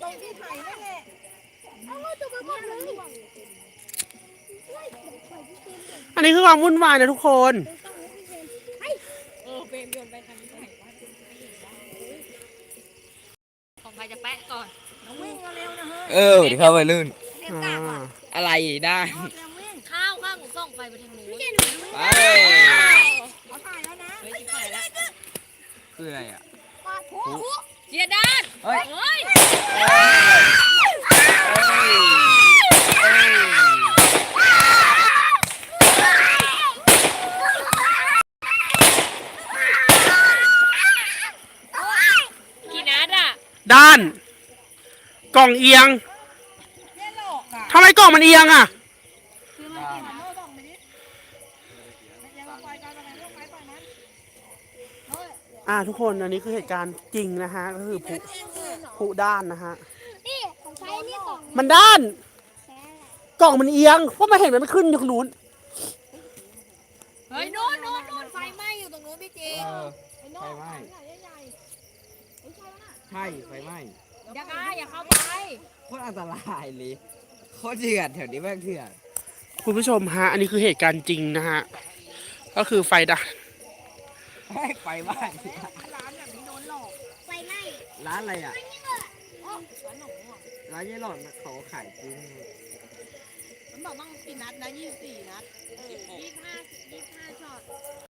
ตรงที่ไผ่นั่นแหละเอาตัวมาบอกเลยอันนี้คือความวุ่นวายนะทุกคนเบนโยนไปทางไหนวะของใครจะแปะก่อนน้องวิ่งเร็วนะเฮ้ยเดี๋ยวเข้าไปลื่นเร็วกลับอ่ะอะไรได้เร็ววิ่งข้าวข้างหนูส่องไฟไปทางนู้นไปเขาถ่ายแล้วนะเฮ้ยที่ถ่ายแล้วคืออะไรอ่ะปาดผู้เจียด้านเฮ้ยเฮ้ย กี่นัดอ่ะด้าน กล่องเอียงเจ๊หลอกอ่ะทำไมกล่องมันเอียงอ่ะคือมันกินมันโน่บอกไปดิยังลงไปกันอะไรลงไปปล่อยมันทุกคนอันนี้คือเหตุการณ์จริงนะฮะก็คือผู้ด้านนะฮะนี่ของใช้นี่กล่องมันด้านแท้แหละกล่องมันเอียงเพราะมันเห็นมันไม่ขึ้นอยู่ตรงนู้นเฮ้ยโน่นโน่นโน่นไฟไหม้อยู่ตรงนู้นพี่จีไฟไหม้ใหญ่ๆไม่ใช่แล้วน่ะใช่ไฟไหม้อย่าอย่าเข้าไปโคตรอันตรายเลยโคตรเถื่อนแถวนี้แม่งเถื่อนคุณผู้ชมฮะอันนี้คือเหตุการณ์จริงนะฮะก็คือไฟดับไฟไหม้ร้านแบบนี้โดนหลอกไฟไหม้ร้านอะไรอ่ะร้านหนูอ่ะร้านยี่หล่อนเขาขายจริงมันบอกต้องกี่นัดนะ24 นัด 25ช็อต